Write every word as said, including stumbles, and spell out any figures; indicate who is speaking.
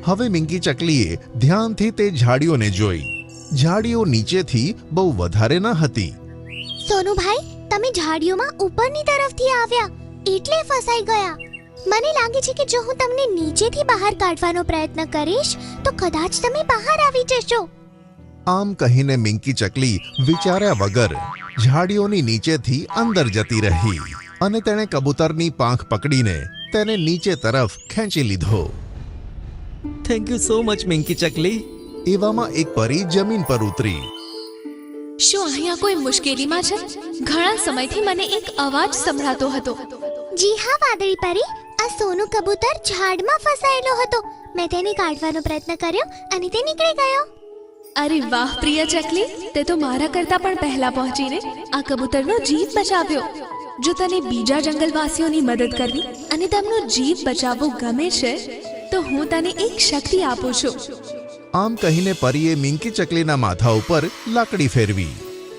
Speaker 1: હવે મિંકી ચકલીએ ધ્યાનથી તે ઝાડીઓને જોઈ. ઝાડીઓ નીચેથી બહુ વધારે ન હતી.
Speaker 2: સોનુભાઈ, તમે ઝાડીઓમાં ઉપરની તરફથી આવ્યા એટલે ફસાઈ ગયા. મને લાગે છે કે જો હું તમને નીચેથી બહાર કાઢવાનો પ્રયત્ન કરીશ તો કદાચ તમે બહાર આવી જશો.
Speaker 1: આમ કહીને મિંકી ચકલી વિચાર્યા વગર ઝાડીઓની નીચેથી અંદર જતી રહી અને તેણે કબૂતરની પાંખ પકડીને તેને નીચે તરફ ખેંચી લીધો.
Speaker 3: Thank you so much Minki ચકલી.
Speaker 1: એવામાં એક પરી જમીન પર ઉતરી.
Speaker 4: શું અહીંયા કોઈ મુશ્કેલીમાં છે? ઘણા સમયથી મને એક અવાજ સંભળાતો હતો.
Speaker 2: જી હા વાદળી પરી, આ સોનું કબૂતર ઝાડમાં ફસાયેલો હતો. મેં તેને કાઢવાનો પ્રયત્ન કર્યો અને તે નીકળી ગયો.
Speaker 4: અરે વાહ પ્રિય ચકલી, તે તો મારા કરતા પણ પહેલા પહોંચીને આ કબૂતરનો જીવ બચાવ્યો. જો તને બીજા જંગલવાસીઓની મદદ કરવી અને તેમનો જીવ બચાવવો ગમે છે તો હું તને એક શક્તિ આપું છું.
Speaker 1: આમ કહીને પરીએ મિંકી ચકલીના માથા ઉપર લાકડી ફેરવી.